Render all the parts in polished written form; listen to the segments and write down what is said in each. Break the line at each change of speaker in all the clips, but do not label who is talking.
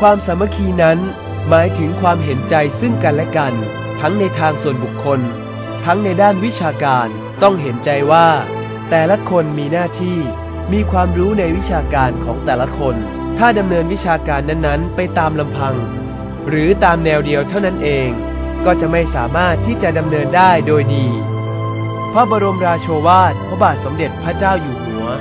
ความสามัคคีนั้นหมายถึงความเห็นใจซึ่งกันและกันทั้งในทางส่วนบุคคลทั้งในด้านวิชาการต้องเห็นใจว่าแต่ละคนมีหน้าที่มีความรู้ในวิชาการของแต่ละคนถ้าดำเนินวิชาการนั้นๆไปตามลำพังหรือตามแนวเดียวเท่านั้นเองก็จะไม่สามารถที่จะดำเนินได้โดยดีพระบรมราโชวาทพระบาทสมเด็จพระเจ้าอยู่หัว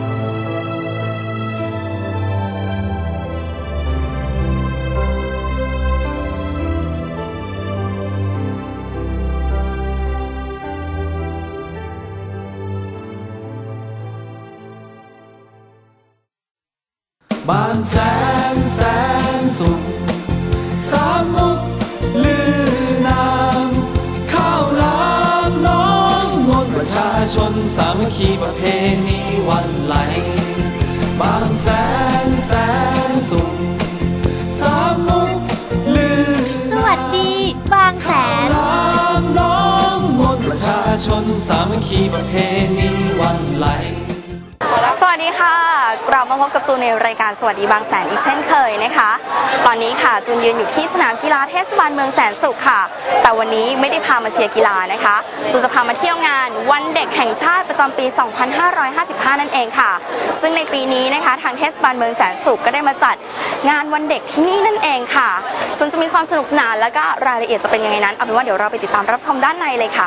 บ้านแสนสุขสามมุกลือนามข้าวหลามน้องมนต์ประชาชนสามัคคีประเพณีวันไหลบ้านแสนสุขสามมุกลือนามสวัสดีบางแสนข้าวหลามน้องมนต์ประชาชนสามัคคีประเพณีวันไหล
สวัสดีค่ะกลับมาพบกับจูนในรายการสวัสดีบางแสนอีกเช่นเคยนะคะตอนนี้ค่ะจูนยืนอยู่ที่สนามกีฬาเทศบาลเมืองแสนสุขค่ะแต่วันนี้ไม่ได้พามาเชียร์กีฬานะคะจูนจะพามาเที่ยวงานวันเด็กแห่งชาติประจำปี 2555 นั่นเองค่ะซึ่งในปีนี้นะคะทางเทศบาลเมืองแสนสุขก็ได้มาจัดงานวันเด็กที่นี่นั่นเองค่ะซึ่งจะมีความสนุกสนานแล้วก็รายละเอียดจะเป็นยังไงนั้นเอาเป็นว่าเดี๋ยวเราไปติดตามรับชมด้านในเลยค่ะ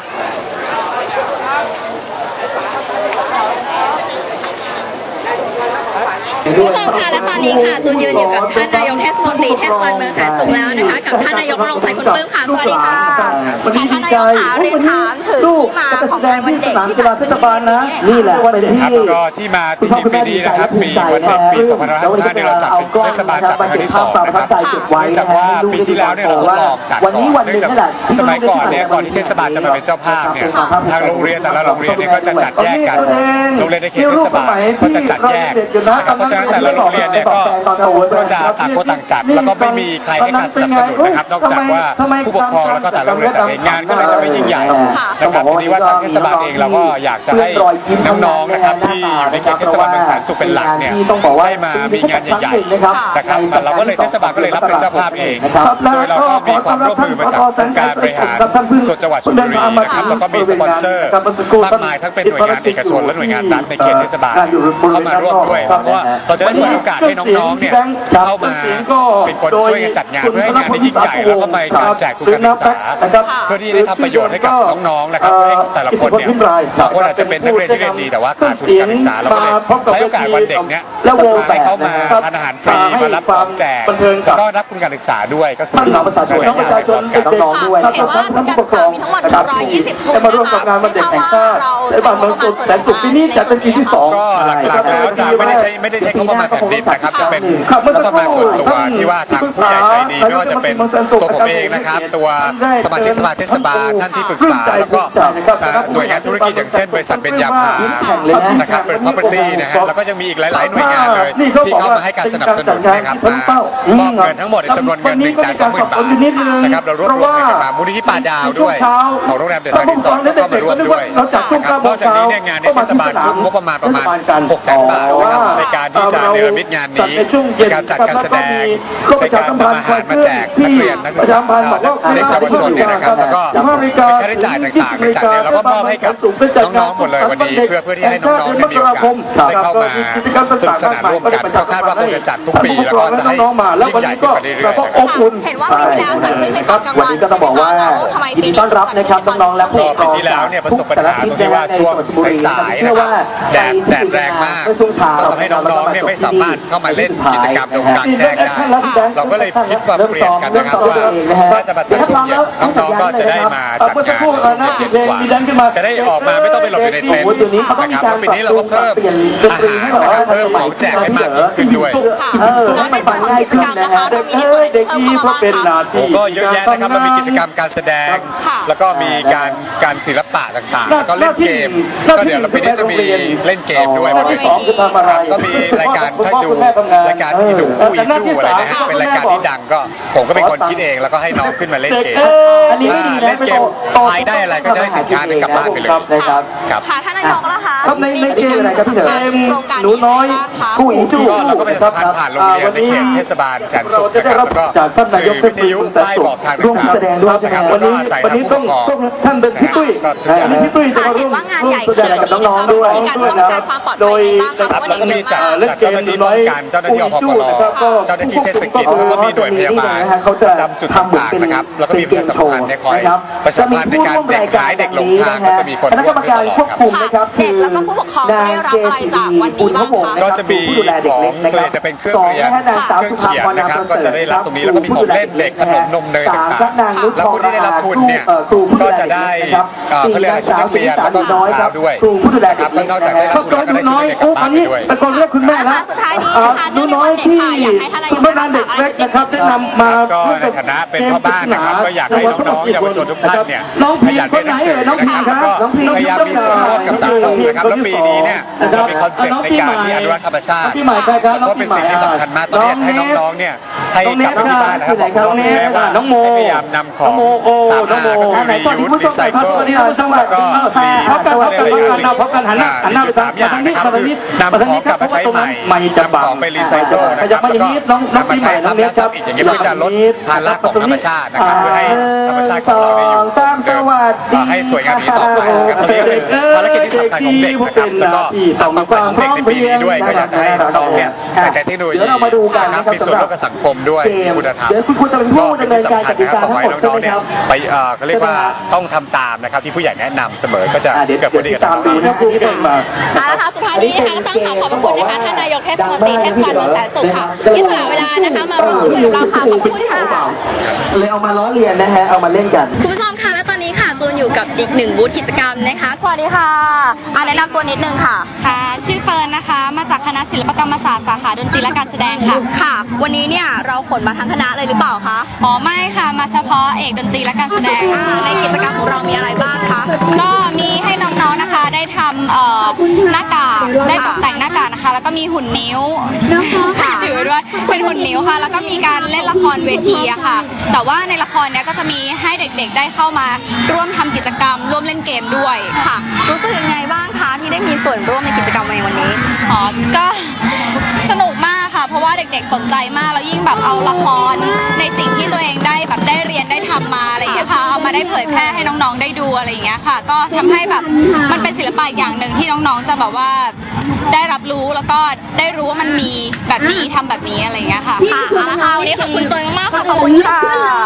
ผู้ชมค่ะและตอนนี้ค่ะจูนยืนอยู่กับท่านนายกเทศมนตรีเทศบาลเมืองแสนสุขแล้วนะคะกับท่านนายกรงชัยคุณปลื้มค่ะสวัสดีค่ะท่านนายกค่ะเรียนถามถึงที่มาของงานวันเด็กที่เทศบาลนะ
นี่แหละเป็น
ที่มาที่ปีนี้นะครับปีวันเด็กปี 2555ที่เราจัดเป็นเทศบาลจัดเป็นครั้งที่2นะครับจากว่าปีที่แล้วเนี่ยเราทดลองจัดก่อนเนื่องจากสมัยก่อนเนี่ยก่อนที่เทศบาลจะมาเป็นเจ้าภาพเนี่ยทางโรงเรียนแต่ละโรงเรียนเนี่ยก็จะจัดแยกกันโรงเรียนในเขตเทศบาลก็จะจัดแยกนะครับเพราะฉะนั้นแต่ละโรงเรียนเนี่ยก็จะต่างคนต่างจัดแล้วก็ไม่มีใครให้การสนับสนุนนะครับนอกจากว่าผู้ปกครองแล้วก็แต่ละโรงเรียนจัดเองงานก็เลยจะไม่ยิ่งใหญ่นะครับทีนี้ว่าทางเทศบาลเองเราก็อยากจะให้น้องๆนะครับที่อยู่ในเขตเทศบาลเมืองแสนสุขเป็นหลักเนี่ยให้มามีงานใหญ่ๆนะครับเราก็เลยเทศบาลก็เลยรับเป็นเจ้าภาพเองโดยเราก็มีความร่วมมือมาจากองค์การบริหารส่วนจังหวัดชลบุรีนะครับแล้วก็มีสปอนเซอร์มากมายทั้งเป็นหน่วยงานเอกชนและหน่วยงานรัฐในเขตเทศบาลเข้ามาร่วมด้วยเพราะว่าเราจะได้เปิดโอกาสให้น้องๆเนี่ยเข้ามาเป็นคนช่วยกันจัดงานเพื่อให้งานได้ยิ่งใหญ่แล้วก็ไปการแจกทุนการศึกษาเพื่อที่ได้ทำประโยชน์ให้กับน้องๆนะครับให้แต่ละคนเนี่ยบางคนอาจจะเป็นนักเรียนที่เรียนดีแต่ว่าขาดทุนการศึกษาเราก็เลยใช้โอกาสวันเด็กเนี่ยให้เข้ามาทานอาหารฟรีมารับของแจกแล้วก็รับทุนการศึกษาด้วยก็คือ
น้องประชาชนน้องๆด้วย
เห็นว่าทุนการศึกษามีทั้งหมด120ทุน
มาร่วมกับงานวันเด็กแห่งชาติในบ้านเมืองแสนสุขปีนี้จัดเป็นปีที่2
ก็หลักๆแล้วจะไม่ได้ใช้งบประมาณแผ่นดินนะครับจะเป็นงบประมาณส่วนตัวที่ว่าทางผู้ใหญ่ใจดีไม่ว่าจะเป็นตัวผมเองนะครับตัวสมาชิกสภาเทศบาลท่านที่ปรึกษาแล้วก็หน่วยงานธุรกิจอย่างเช่นบริษัทเบญญาภานะครับเป็น property นะฮะแล้วก็ยังมีอีกหลายๆหน่วยงานเลยที่เข้ามาให้การสนับสนุนนะครับมอบเงินทั้งหมดจำนวนเงิน 120,000 บาทนะครับเรารวบรวมเงินมามูลนิธิป่าดาวด้วยของโรงแรมเดอะทาริสอร์ทก็มาร่วมด้วยนะครับนอกจากนี้เนี่ยงานในเทศบาลทุ่มงบประมาณ600,000 บาทนะครับในการที่จะเนรมิตงานนี้ในการจัดการแสดงในการทำอาหารมาแจกนักเรียนนักศึกษาเด็กเยาวชนเนี่ยนะครับแล้วก็ค่าใช้จ่ายต่างๆในจัดเนี่ยเราก็มอบให้กับน้องๆหมดเลยวันนี้เพื่อที่ให้น้องๆได้มีโอกาสได้เข้ามาสนุกสนานร่วมกันก็คาดว่าคงจะจัดทุกปีแล้วก็จะให้ยิ่งใหญ่ขึ้นไปเรื่อยๆนะครับ
เห็นว่าปีที่แล้วจัดขึ้นเป็นกลางวัน
วันนี้ก็ต้องบอกว่ายินดีต้อนรับนะครับน้องๆและผู้ปกครอง
ปีที่แล้วเนี่ยประสบปัญหาตรงที่ว่าช่วงสายๆนะครับแดดแรงมากก็ทำให้น้องๆเนี่ยไม่สามารถเข้ามาเล่นกิจกรรมตรงกลางแจ้งได้เราก็เลยคิดว่าเปลี่ยนกันนะครับว่าถ้าจะมาจัดช่วงเย็นน้องๆก็จะได้มาจัดงานช่วงเย็นดีกว่าจะได้ออกมาไม่ต้องไปหลบอยู่ในเต็นท์นะครับปีนี้เราก็เพิ่มอาหารนะครับเพิ่มของแจกให้มากขึ้นด้วย
แล้วในส่วนของกิจกรรมนะคะเรามีในส่วนไหนเพิ่มเข้ามาบ้างคะ
ก็เยอะแยะนะครับเรามีกิจกรรมการแสดงแล้วก็มีการศิลปะต่างๆแล้วก็เล่นเกมก็เดี๋ยวเราปีนี้จะมีเล่นเกมด้วยบนเวทีก็มีรายการถ้าดูรายการอีหนุ่มคู่อีจู้อะไรนะฮะเป็นรายการที่ดังก็ผมก็เป็นคนคิดเองแล้วก็ให้น้องขึ้นมาเล่นเกมเล่นเกมทายได้อะไรก็จะได้สินค้านึงกลับบ้านไปเลย
ครับค่ะท่านนายกแล้วคะ
ครับในเกมอะไรครับพี่เถอะหนูน้อยกู้อีจู้
เราก็เป็นสะพานผ่านโรงเรียนในเขตเทศบาลแสนสุขนะครับแล้วก็
จากท่านนายกเทศมนตรีแสนสุขร่วมแสดงด้วยใช่ไหมวันนี้ต้องท่านเป็นพี่ตุ้ยพี่ตุ้ยจะมาร่วมแสดงกับน้องๆด้วยนะครับโดย
แล้วก็มีจากเจ้าหน้าที่ป้องกันเจ้าหน้าที่อพปลเจ้าหน้าที่เทศกิจแล้วก็มีหน่วยพยาบาลประจำจุดต่างๆนะครับแล้วก็มีประชาสัมพันธ์คอยประชาสัมพันธ์ในการเด็กหายเด็กหลงทางก็จะมีคนร่วมด้วยตลอดครับ
เด็กแล้วก็ผู้ปกครองจะได้รับอะไรจากวันนี้บ้างคะ
ก็จะมีของจะเป็นเครื่องเรียนเครื่องเขียนนะครับก็จะได้รับตรงนี้แล้วก็มีของเล่นเด็กขนมนมเนยต่างๆแล้วผู้ที่ได้รับทุนเนี่ยก็จะได้เขาเรียกชุดนักเรียนแล้วก็รองเท้าด้วยนะครับแล้วนอกจากได้รับทุนแล้วก็ได้ชุดนักเรียนกลับบ้านไปด้วย
ตะโกนเรียกคุณแม่แล้วหนูน้อยที่สำนักงานเด็กเล็กนะครับได้นำมา
ก็ในฐานะเป็นพ่อบ้านนะครับก็อยากให้น้องๆเยาวชนทุกท่านเนี่ย
น้องพีคนไหนน้องพีครับ
ก็พยายามมีส่วนร่วมกับสังคมนะครับแล้วปีนี้เนี่ยเรามีคอนเซ็ปต์ในการที่อนุรักษ์ธรรมชาติเพราะเป็นสิ่งที่สำคัญมากตอนนี้ให้น้องๆเนี่ยให้กลับที่บ้านนะครับบอกน้องแม่ว่าให้พยายามนำของสามารถก็คือรียูสรีไซเคิลแล้วก็มี
พบกันหันหน้าไปทางนี้มาทางนี้นำของกลับมาใช้ใหม่นำของไปรีไซเคิลนะครับแล้วก็นำมาใช้ซ้ำแล้วซ้ำอีกอย่างนี้เพื่อจะลดภาระของธรรมชาตินะครับเพื่อให้ธรรมชาติของเราได้อยู่ให้สวยงามนี้ต่อไปนะครับตอนนี้เป็นภารกิจที่สำคัญของเด็กนะครับแล้วก็ความฝันของเด็กในปีนี้ด้วยก็อยากจะให้น้องเนี่ยใส่ใจเทคโนโลยีนะครับมีส่วนร่วมกับสังคมด้วยคุณธรรมเดี๋ยวคุณครูจะเป็นผู้ดำเนินการกติกาทั้งหมดใช่ไหมครับ
ไปเขาเรียกว่าต้องทำตามนะครับที่ผู้ใหญ่แนะนำเสมอก็จะเกิดผลดีกับน้องๆ
นะครูที่เป็นมา
นะคะสุดท้ายนี้นะคะต้องขอบคุณนะคะท่านนายกเทศมนตรีเทศบาลเมืองแสนสุขค่ะที่สละเวลานะคะมาร่วมคุยกับเราค่ะขอบคุณค่ะ
เลยเอามาล้อเลียนนะฮะเอามาเล่นกัน
คุณผู้ชมค่ะและตอนนี้ค่ะจูนอยู่กับอีกหนึ่งบูธกิจกรรมนะคะสวัสดีค่ะแนะนำตัวนิดนึงค่ะ
ค่ะชื่อเฟิร์นนะคะมาจากคณะศิลปกรรมศาสตร์สาขาดนตรีและการแสดงค่ะ
ค่ะวันนี้เนี่ยเราขนมาทั้งคณะเลยหรือเปล่าคะ
อ๋อไม่ค่ะมาเฉพาะเอกดนตรีและการแสดง
ในกิจกรรมของเรามีอะไรบ้างคะ
ก็มีให้น้องๆนะคะได้ทำหน้ากากได้ตกแต่งหน้ากากนะคะแล้วก็มีหุ่นนิ้วถือด้วยเป็นหุ่นนิ้วค่ะแล้วก็มีการเล่นละครเวทีอะค่ะแต่ว่าในละครเนี้ยก็จะมีให้เด็กๆได้เข้ามาร่วมทำกิจกรรมร่วมเล่นเกมด้วย
ค่ะรู้สึกยังไงบ้างคะที่ได้มีส่วนร่วมในกิจกรรมในวันนี้
อ๋อก็สนุกมากค่ะเพราะว่าเด็กๆสนใจมากแล้วยิ่งแบบเอาละครในสิ่งที่ตัวเองได้แบบได้เรียนได้ทำมาอะไรอย่างเงี้ยค่ะเอามาได้เผยแพร่ให้น้องๆได้ดูอะไรอย่างเงี้ยค่ะก็ทำให้แบบมันเป็นศิลปะอย่างหนึ่งที่น้องๆจะแบบว่าได้รับรู้แล้วก็ได้รู้ว่ามันมีแบบนี้ทำแบบนี้อะไรอย่างเงี้ยค่ะ
ค่ะวันนี้ขอบคุณตัวมากค่ะขอบคุณค่ะ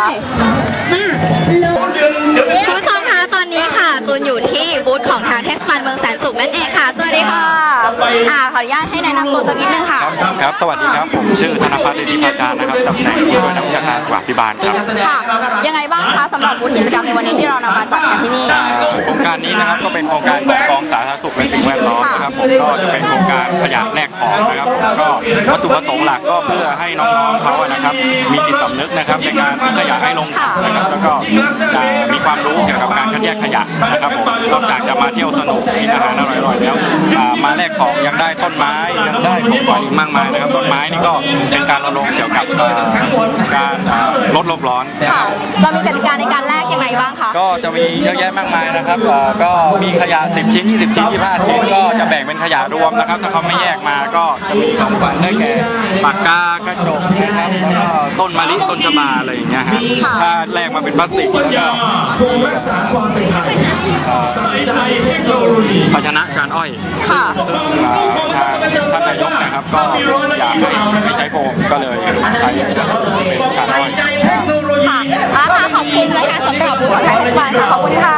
คุณผู้ชมคะตอนนี้ค่ะจูนอยู่ที่บูธของทางเทศบาลเมืองแสนสุขนั่นเองค่ะสวัสดีค่ะขออนุญาตให้แนะนำตัวสักนิดนึงค่ะ
ครับสวัสดีครับผมชื่อธนภัทร ฤทธิภาการนะครับตำแหน่งผู้ช่วยนักวิชาการสุขภิบาลครับ
ค่ะยังไงบ้างคะสำหรับบูธกิจกรรมในวันนี้ที่เรานำมาจัดกันที่นี่
โครงการนี้นะครับก็เป็นโครงการของกองสาธารณสุขและสิ่งแวดล้อมนะครับผมก็จะเป็นโครงการขยะแลกของนะครับก็วัตถุประสงค์หลักก็เพื่อให้น้องๆเขานะครับมีจิตสำนึกนะครับในการทิ้งขยะให้ลงถังนะครับแล้วก็จะมีความรู้เกี่ยวกับการคัดแยกขยะนะครับผมนอกจากจะมาเที่ยวสนุกกินอาหารอร่อยๆแล้วมาแลกของยังได้ต้นไม้ยังได้ของขวัญอีกมากมายนะครับต้นไม้นี่ก็เป็นการรณรงค์เกี่ยวกับการลดโลกร้อน
เรามีกติกาในการแลกยังไงบ้างคะ
ก็จะมีเยอะแยะมากมายนะครับก็มีขยะ10ชิ้น20ชิ้น25ชิ้นก็จะแบ่งเป็นขยะรวมนะครับถ้าเขาไม่แยกมาก็จะมีของขวัญได้แก่ปากกากระจกนะครับแล้วก็ต้นมะลิต้นชบาอะไรอย่างเงี้ยฮะถ้าแลกมาเป็นพลาสติกแล้วก็
คงรักษาความเป็นไทยใส่ใจเทคโนโลยี
ภาชนะชานอ้อยท่านนายกนะครับก็อยากให้ใช้โฟมก็เลยใช้เป็นชานอ้อย
ค่ะขอบคุณนะคะสำหรับบูธของไทยเทศบาลค่ะขอบคุณค่ะ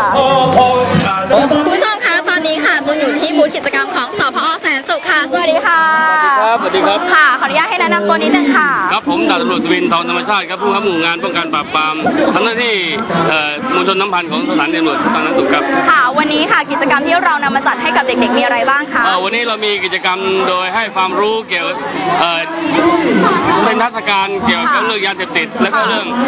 คุณผู้ชมคะตอนนี้ค่ะจูนอยู่ที่บูธกิจกรรมของสพ.แสนสุขค่ะสวัสดีค่ะ
สวัสดีครับ
ค่ะขออนุญาตให้แนะนำตัวนิดนึงค่ะ
ครับผมดาบตำรวจสวินทองธรรมชาติครับผู้บังคับหมู่งานป้องกันปราบปรามทำหน้าที่มวลชนน้ำพันธ์ของสถานีตำรวจภูธรแสนสุขครับ
ค่ะวันนี้ค่ะกิจกรรมที่เรานำมาจัดให้กับเด็กๆมีอะไรบ้างคะ
วันนี้เรามีกิจกรรมโดยให้ความรู้เกี่ยวกับเป็นนิทรรศการเกี่ยวกับเรื่องยาเสพติดและ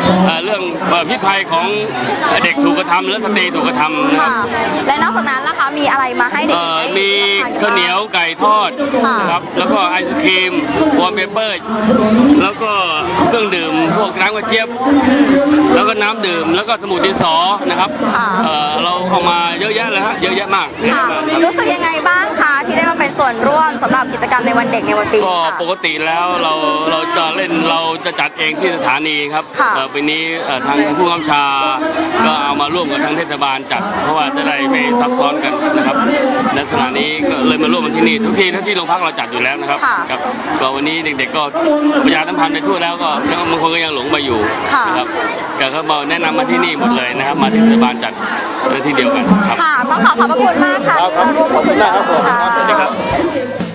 ก็เรื่องพิษภัยของเด็กถูกกระทำและสตรีถูกกระทำ
ค่ะและนอกจากนั้นล่ะคะมีมีอะไรมาให้เด็กๆ
มีข้าวเหนียวไก่ทอดนะครับแล้วก็ไอศครีมวอลเปเปอร์แล้วก็เครื่องดื่มพวกน้ำกระเจี๊ยบแล้วก็น้ำดื่มแล้วก็สมุดดินสอนะครับเราเอามาเยอะแยะเลยฮะเยอะแยะมาก
รู้สึกยังไงบ้างคะที่ได้มาเป็นส่วนร่วมสำหรับกิจกรรมในวันเด็กในวันปี
ก็ปกติแล้วเราจะเล่นเราจะจัดเองที่สถานีครับปีนี้ทางผู้กำกับชาก็เอามาร่วมกับทางเทศบาลจัดเพราะว่าจะได้ไม่ซับซ้อนกันนะครับในสถานีก็เลยมาร่วมกันที่นี่ทุกที่โรงพักเราจัดอยู่แล้วนะครับก็วันนี้เด็กๆก็ประชาสัมพันธ์ไปทั่วแล้วก็บางคนก็ยังหลงไปอยู่นะครับแต่เขามาแนะนำมาที่นี่หมดเลยนะครับมาที่เทศบาลจัดที่เดียวกันครับ
ต้องขอบพระคุณมากค่ะที่มาร่วมพูดคุยกันค่ะ